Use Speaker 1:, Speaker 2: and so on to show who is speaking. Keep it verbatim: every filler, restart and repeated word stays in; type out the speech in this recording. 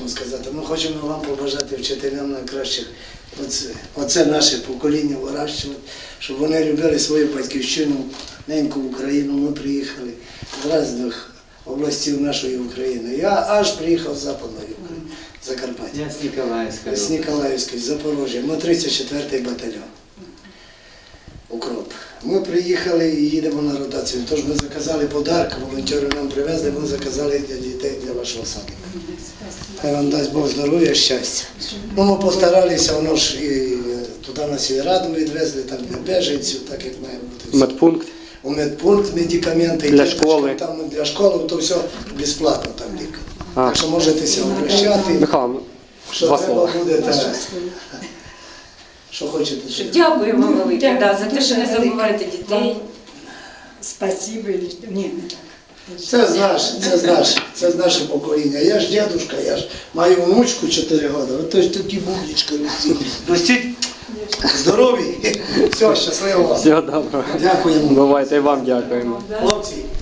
Speaker 1: хочемо сказати? Ми хочемо вам побажати вчителям найкращих. Оце, оце наше покоління вирощувати, щоб вони любили свою батьківщину, неньку Україну. Ми приїхали з різних областей нашої України. Я аж приїхав з Западної України, з Закарпаття.
Speaker 2: Я з Ніколаївської.
Speaker 1: З Ніколаївської, з Запорожжя. Ми тридцять четвертий батальйон. Укроп. Ми приїхали і їдемо на ротацію. Тож ми заказали подарок, волонтери нам привезли, ми заказали для дітей, для вашого садика. Хай вам дасть Бог здоров'я, щастя. Ну, ми постаралися, воно ж і туди на сільраду відвезли, там для біженців, так як має бути.
Speaker 3: Медпункт.
Speaker 1: У медпункт медикаменти,
Speaker 3: Для
Speaker 1: діточкам,
Speaker 3: школи.
Speaker 1: Там для школи, то все безплатно там ліка.
Speaker 3: А.
Speaker 1: Так що можете ся обращати,
Speaker 3: Михайло,
Speaker 1: що
Speaker 3: два
Speaker 1: треба
Speaker 3: слова.
Speaker 1: буде, та, що хочете.
Speaker 4: Що Дякуємо велике, да, за те, що не забуваєте дітей.
Speaker 5: Спасибо. Ні, не так.
Speaker 1: Це з наше, це з наше, це з наше покоління. Я ж дядушка, я ж маю внучку чотири роки, ото ж такі бублички ростіть. Ростіть здорові. Все, щасливо вам.
Speaker 3: Всього доброго.
Speaker 1: Дякуємо.
Speaker 3: Бувайте, і вам дякуємо.
Speaker 1: Хлопці.